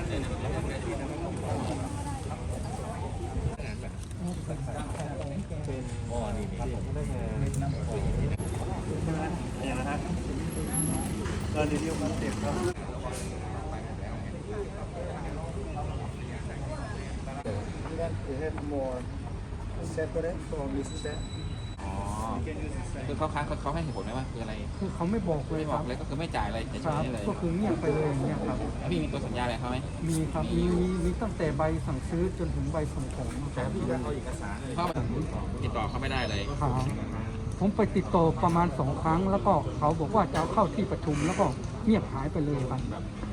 เนี่ยนะฮะก็รีวิวคอนเซ็ปต์ครับ We have more separate from this set คือเขาให้เหตุผลไหมว่าคืออะไรคือเขาไม่บอกเลยไม่คบอรักบเลยก็คือไม่จ่ายอะไรเฉครับยๆเลยก็คือเงียบไปเลยอย่างเงี้ยครับแล้วพี่มีตัวสัญญาอะไรเขาไหมมีครับมีตั้งแต่ใบสั่งซื้อจนถึงใบส่งของแต่พี่ได้เอาเอกสารเขาติดต่อเขาไม่ได้เลยครับผมไปติดต่อประมาณ2 ครั้งแล้วก็เขาบอกว่าจะเอาเข้าที่ประชุมแล้วก็เงียบหายไปเลยครับ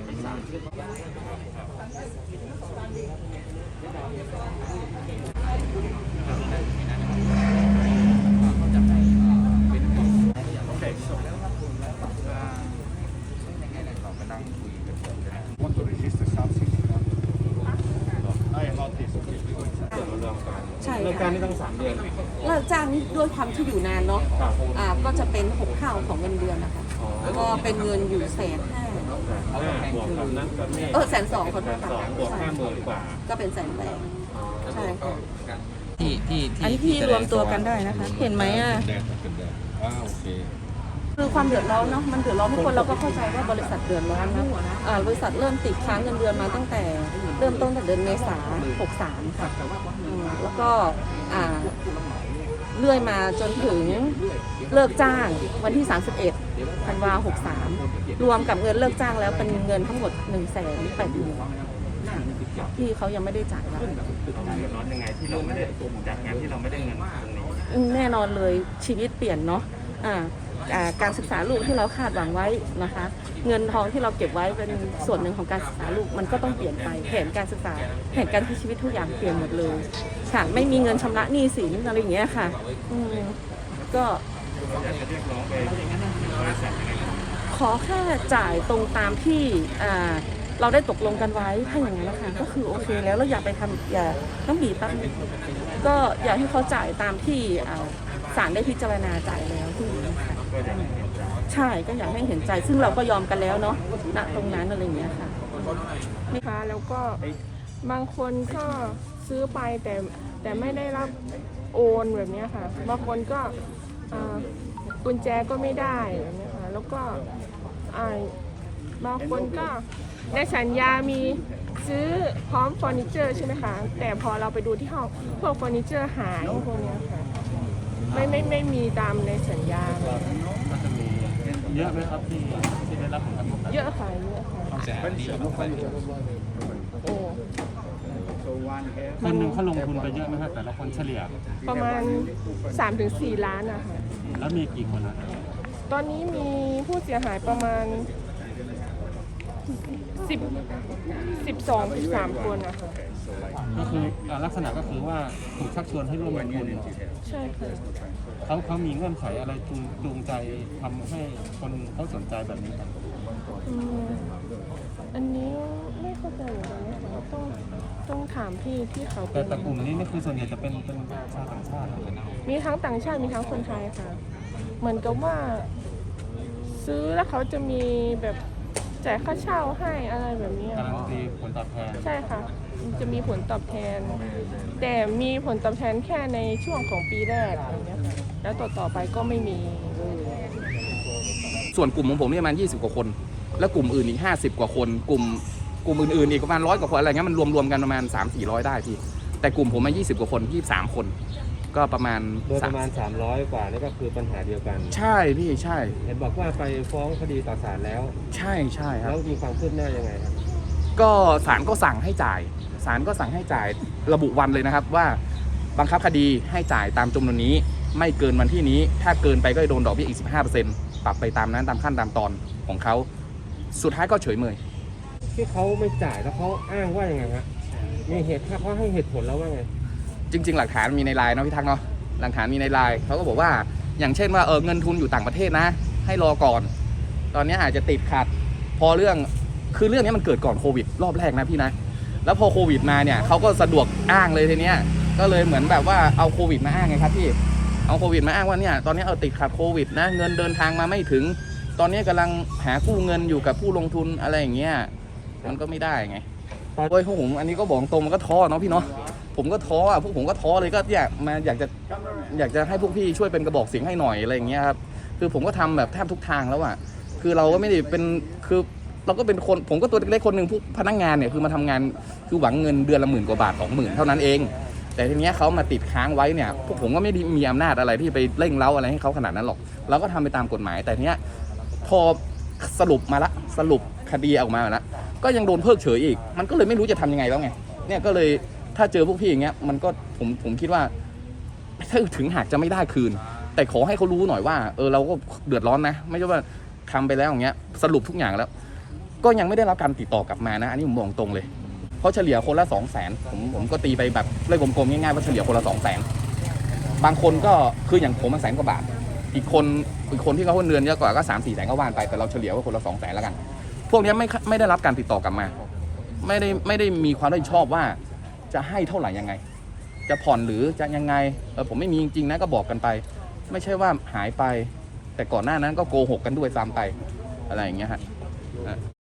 ใช่เริ่มการนี่ต้อง3 เดือนเลิกจ้างนี่ด้วยความที่อยู่นานเนาะก็จะเป็น6 เท่าของเงินเดือนนะคะก็เป็นเงินอยู่150,000 บวกกับนั้นก็ไม่ 120,000คนค่ะ 2 บวก 50,000 กว่าก็เป็น180,000ใช่ค่ะอันนี้ที่รวมตัวกันได้นะคะ เห็นไหมอ่ะโอเคคือความเดือดร้อนเนาะมันเดือดร้อนทุกคนเราก็เข้าใจว่าบริษัทเดือดร้อนนะบริษัทเริ่มติดค้างเงินเดือนมาตั้งแต่เริ่มต้นตั้งแต่เดือนเมษา63ค่ะแล้วก็เลื่อยมาจนถึงเลิกจ้างวันที่31 ธันวา63รวมกับเงินเลิกจ้างแล้วเป็นเงินทั้งหมด180,000ที่เขายังไม่ได้จ่ายเราเดือดร้อนยังไงที่เราไม่ได้จากงานที่เราไม่ได้เงินตรงนี้แน่นอนเลยชีวิตเปลี่ยนเนาะการศึกษาลูกที่เราคาดหวังไว้นะคะเงินทองที่เราเก็บไว้เป็นส่วนหนึ่งของการศึกษาลูกมันก็ต้องเปลี่ยนไปแผนการศึกษาแผนการใช้ชีวิตทุกอย่างเปลี่ยนหมดเลยค่ะไม่มีเงินชำระหนี้สินอะไรอย่างเงี้ยค่ะก็ขอแค่จ่ายตรงตามที่เราได้ตกลงกันไว้ถ้าอย่างนั้นนะคะก็คือโอเคแล้วเราอย่าไปทำอย่าต้องบีบตั้งก็อยากให้เขาจ่ายตามที่ศาลได้พิจารณาจ่ายแล้วที่ใช่ก็อยากให้เห็นใจซึ่งเราก็ยอมกันแล้วเนาะณตรงนั้นอะไรอย่างเงี้ยค่ะนะคะแล้วก็บางคนก็ซื้อไปแต่ไม่ได้รับโอนแบบนี้ค่ะบางคนก็กุญแจก็ไม่ได้แบบนี้ค่ะแล้วก็บางคนก็ในสัญญามีซื้อพร้อมเฟอร์นิเจอร์ใช่ไหมคะแต่พอเราไปดูที่ห้องพวกเฟอร์นิเจอร์หายพวกนี้ค่ะไม่มีตามในสัญญาเยอะไหมครับที่ได้รับผลกระทบเยอะค่ะเยอะค่ะโอ้คนหนึ่งเขาลงทุนไปเยอะไหมครับแต่ละคนเฉลี่ยประมาณ 3-4 ล้านนะคะแล้วมีกี่คนนะตอนนี้มีผู้เสียหายประมาณ12-13 คนนะคะก็คือลักษณะก็คือว่าถูกชักชวนให้ร่วมลงทุนใช่ค่ะเขามีเงื่อนไขอะไรจูงใจทำให้คนเขาสนใจแบบนี้ครับอันนี้ไม่เข้าใจเหมือนกันนะคะต้องถามพี่ที่เขาแต่กลุ่มนี้นี่คือส่วนใหญ่จะเป็นชาวต่างชาติมีทั้งต่างชาติมีทั้งคนไทยค่ะเหมือนกับว่าซื้อแล้วเขาจะมีแบบจ่ายค่าเช่าให้อะไรแบบนี้การันตีผลตอบแทนใช่ค่ะจะมีผลตอบแทนแต่มีผลตอบแทนแค่ในช่วงของปีแรกอย่างเงี้ยค่ะแล้วต่อไปก็ไม่มีเลยส่วนกลุ่มของผมเนี่ยประมาณ20 กว่าคน แล้วกลุ่มอื่นอีก50 กว่าคนกลุ่มอื่นๆอีกประมาณ100 กว่าคนอะไรเงี้ยมันรวมกันประมาณ 300-400 ได้พี่แต่กลุ่มผมมา20 กว่าคน23 คนก็ประมาณ 300 กว่านี่ก็คือปัญหาเดียวกันใช่พี่ใช่เห็นบอกว่าไปฟ้องคดีต่อศาลแล้วใช่ครับแล้วมีความคืบหน้ายังไงครับก็ศาลก็สั่งให้จ่ายระบุวันเลยนะครับว่าบังคับคดีให้จ่ายตามจำนวนนี้ไม่เกินวันที่นี้ถ้าเกินไปก็จะโดนดอกเบี้ยอีก 15% ปรับไปตามนั้นตามขั้นตามตอนของเขาสุดท้ายก็เฉยเมยที่เขาไม่จ่ายแล้วเขาอ้างว่ายังไงครับมีเหตุเขาให้เหตุผลแล้วว่าไงจริงๆหลักฐานมีในไลน์เนาะพี่ทักเนาะหลักฐานมีในไลน์เขาก็บอกว่าอย่างเช่นว่าเงินทุนอยู่ต่างประเทศนะให้รอก่อนตอนนี้อาจจะติดขัดพอเรื่องนี้มันเกิดก่อนโควิดรอบแรกนะพี่นะแล้วพอโควิดมาเนี่ยเขาก็สะดวกอ้างเลยทีเนี้ยก็เลยเหมือนแบบว่าเอาโควิดมาอ้างไงครับพี่เอาโควิดมาอ้างว่าเนี่ยตอนนี้ติดขัดโควิดนะเงินเดินทางมาไม่ถึงตอนนี้กำลังหากู้เงินอยู่กับผู้ลงทุนอะไรอย่างเงี้ยมันก็ไม่ได้ไงโอ้ยพวกผมอันนี้ก็บอกตรงมันก็ท้อเนาะพี่เนาะผมก็ท้ออ่ะพวกผมก็ท้อเลยก็อยากจะให้พวกพี่ช่วยเป็นกระบอกเสียงให้หน่อยอะไรอย่างเงี้ยครับคือผมก็ทำแบบแทบทุกทางแล้วอ่ะคือเราก็ไม่ได้เป็นคือเราก็เป็นคนผมก็ตัวเล็กๆคนหนึ่งผู้พนักงานเนี่ยคือมาทำงานคือหวังเงินเดือนละ10,000 กว่าบาท 20,000เท่านั้นเองแต่ทีเนี้ยเขามาติดค้างไว้เนี่ยพวกผมก็ไม่ได้มีอำนาจอะไรที่ไปเร่งเร้าอะไรให้เขาขนาดนั้นหรอกเราก็ทำไปตามกฎหมายแต่ทีเนี้ยพอสรุปคดีออกมาแล้วก็ยังโดนเพิกเฉยอีกมันก็เลยไม่รู้จะทำยังไงแล้วไงเนี่ยก็เลยถ้าเจอพวกพี่อย่างเงี้ยมันก็ผมคิดว่าถ้าถึงหากจะไม่ได้คืนแต่ขอให้เขารู้หน่อยว่าเราก็เดือดร้อนนะไม่ใช่ว่าทำไปแล้วอย่างเงี้ยสรุปทุกอย่างแล้วก็ยังไม่ได้รับการติดต่อกลับมานะอันนี้ผมบอกตรงเลยเพราะเฉลี่ยคนละ 200,000ผมก็ตีไปแบบเลขกลมๆง่ายๆว่าเฉลี่ยคนละ 200,000บางคนก็คืออย่างผมมัน100,000 กว่าบาทอีกคนที่เขาเงินเยอะกว่าก็3-4 แสนก็ว่านไปแต่เราเฉลี่ยว่าคนละ 200,000แล้วกันพวกนี้ไม่ได้รับการติดต่อกลับมาไม่ได้มีความรับผิดชอบว่าจะให้เท่าไหร่ยังไงจะผ่อนหรือจะยังไงผมไม่มีจริงๆนะก็บอกกันไปไม่ใช่ว่าหายไปแต่ก่อนหน้านั้นก็โกหกกันด้วยซ้ำไปอะไรอย่างเงี้ยฮะ